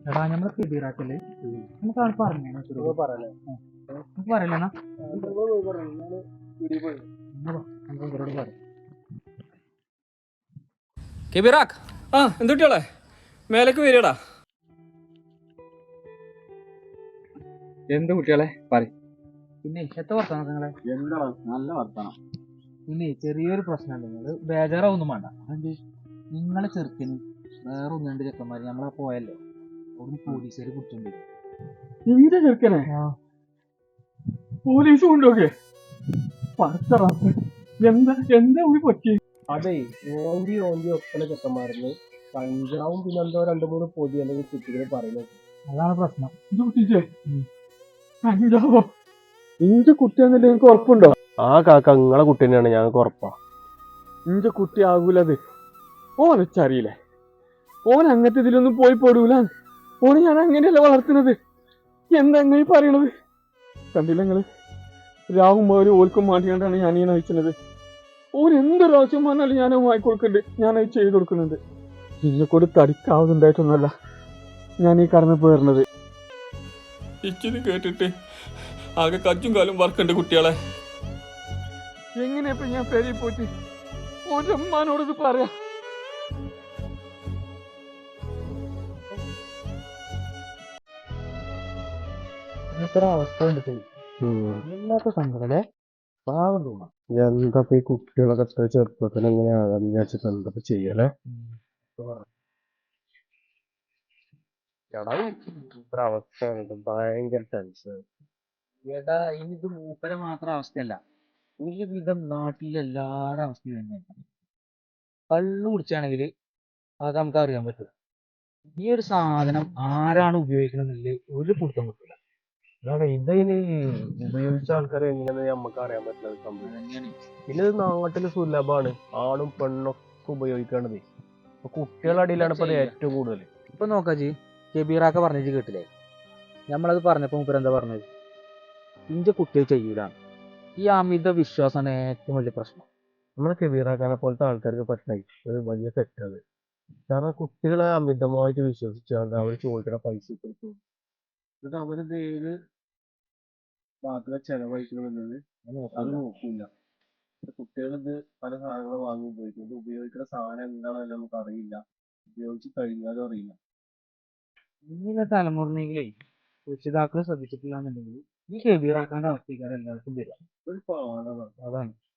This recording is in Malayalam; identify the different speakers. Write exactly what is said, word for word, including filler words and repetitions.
Speaker 1: എടാ നമ്മളെ കിബിറാക്കല് നമുക്ക് ആൾ പറഞ്ഞു നമുക്ക് പറയല്ലേ പറയാം.
Speaker 2: കെബിറാക്ക് ആ എന്തുട്ടിയോളെ മേലേക്ക് വരികടാ.
Speaker 1: എന്ത് കുട്ടികളെ പറയും. പിന്നെ എത്ര വർത്താനം നിങ്ങളെ
Speaker 3: എന്താ നല്ല വർത്താനം.
Speaker 1: പിന്നെ ചെറിയൊരു പ്രശ്നമുണ്ട്. നിങ്ങള് ബേജാറാവൊന്നും വേണ്ട. അതെന്ത് നിങ്ങളെ ചെറുക്കന് വേറെ ഒന്ന് രണ്ട് ചെക്കന്മാര് നമ്മളെ പോയല്ലോ അവിടുന്ന് പോലീസുകാര് കുറിച്ചുണ്ട്.
Speaker 3: എന്റെ ചെറുക്കനെ പോലീസ് കൊണ്ടുപോകെ എന്താ എന്താ ഒരു പറ്റി? അതെ ഓന്തി ഓന്തി ഒപ്പന ചെക്കന്മാരുന്ന് കഞ്ചാവും പിന്നെ എന്തോ രണ്ടു മൂന്ന് പൊതി അല്ലെങ്കിൽ കുട്ടികൾ പറയുന്നത്.
Speaker 1: അതാണ് പ്രശ്നം.
Speaker 3: ഇത് കുട്ടിച്ചേ കഞ്ചാവോ? ഇഞ്ച കുട്ടിയാന്നല്ലേ എനിക്ക് ഉറപ്പുണ്ടോ? ആ കാക്ക നിങ്ങളെ കുട്ടി തന്നെയാണ് ഞങ്ങൾക്ക് ഉറപ്പാ. ഇഞ്ച കുട്ടി ആകൂലത്. ഓനച്ചറിയില്ലേ, ഓൻ അങ്ങനത്തെ ഇതിലൊന്നും പോയി പോടൂല. ഓന് ഞാൻ അങ്ങനെയല്ല വളർത്തുന്നത്. എന്താ അങ്ങനെ പറയണത്? കണ്ടില്ല നിങ്ങള് രാവും ഒരു ഓൽക്കും മാറ്റിക്കൊണ്ടാണ് ഞാൻ ഈ നയിക്കുന്നത്. ഓൻ എന്തൊരു ആവശ്യം വന്നാലും ഞാൻ വാങ്ങിക്കൊടുക്കുന്നുണ്ട്, ഞാനത് ചെയ്ത് കൊടുക്കുന്നുണ്ട്. ഇന്നെക്കൂടി തടിക്കാവുന്നുണ്ടായിട്ടൊന്നുമല്ല ഞാൻ ഈ കടന്നു പോയിരുന്നത്.
Speaker 2: ഇച്ചിത് കേട്ടിട്ട് ആകെ കജ്ജും കാലും വർക്കുണ്ട് കുട്ടികളെ.
Speaker 3: എങ്ങനെയപ്പോ ഞാൻ പെരി പോയിട്ട് ഓൻ്റെ അമ്മാനോടത് പറയാ?
Speaker 1: ഇത്ര അവസ്ഥ ഉണ്ട്. എല്ലാത്ത സങ്കടല്ലേ പാവം തോന്നാം.
Speaker 3: എന്താ ഈ കുട്ടികളൊക്കെ എത്ര ചെറുപ്പത്തിൽ എങ്ങനെ ആകാന്ന് വിചാരിച്ചിട്ട് എന്താ ചെയ്യലേ? അവസ്ഥ ഭയങ്കര ടെൻഷൻ.
Speaker 1: ഏട്ടാ ഇനി ഇത് മൂപ്പരെ മാത്രം അവസ്ഥയല്ല, ഒരു വിധം നാട്ടിലെ എല്ലാവരുടെ അവസ്ഥയും തന്നെയാണ്. കള്ളു കുടിച്ചാണെങ്കിൽ അത് നമുക്ക് അറിയാൻ പറ്റും. ഈ ഒരു സാധനം ആരാണ് ഉപയോഗിക്കണമെന്നില്ല ഒരു പിടുത്തം കിട്ടില്ല.
Speaker 3: അതാണ് ഇതിന് ഉപയോഗിച്ച ആൾക്കാരെ എങ്ങനെയാന്ന് നമുക്ക് അറിയാൻ പറ്റുന്നത് സംഭവം തന്നെയാണ്. പിന്നെ ഇത് നാട്ടില് സുലഭമാണ്, ആണും പെണ്ണൊക്കെ ഉപയോഗിക്കേണ്ടത്. കുട്ടികളുടെ അടിയിലാണ് ഇപ്പൊ ഏറ്റവും കൂടുതൽ.
Speaker 1: ഇപ്പൊ നോക്കാജി കെബീറാക്ക പറഞ്ഞിട്ട് കേട്ടില്ലേ? നമ്മളത് പറഞ്ഞപ്പോ മൂപ്പര് എന്താ പറഞ്ഞത്? ഇന്റെ കുട്ടികൾ ചെയ്യൂലാണ്. ഈ അമിത വിശ്വാസമാണ് ഏറ്റവും വലിയ പ്രശ്നം.
Speaker 3: നമ്മളെ കെബീറാക്കാനെ പോലത്തെ ആൾക്കാർക്ക് പറ്റണ ഒരു വലിയ തെറ്റത്. കാരണം കുട്ടികളെ അമിതമായിട്ട് വിശ്വസിച്ചാൽ അവർ ചോദിക്കണ പൈസ കൊടുക്കും. എന്നിട്ട് അവരത് ഏത് മാത്രമേ ചെലവഴിക്കണമെന്നത് അത് നോക്കൂല. കുട്ടികളിത് പല സാധനങ്ങൾ വാങ്ങി ഉപയോഗിക്കും. ഇത് ഉപയോഗിക്കുന്ന സാധനം എന്താണെന്ന് നമുക്ക് അറിയില്ല, ഉപയോഗിച്ച് കഴിഞ്ഞാലും അറിയില്ല.
Speaker 1: ഇങ്ങനെ തലമുറയിലേ രക്ഷിതാക്കൾ ശ്രദ്ധിച്ചിട്ടില്ല എന്നുണ്ടെങ്കിൽ ഈ കെബീറാക്കാന്റെ അവസ്ഥക്കാർ എല്ലാവർക്കും വരിക.
Speaker 3: ഒരു പാടാണ്
Speaker 1: അതാണ്.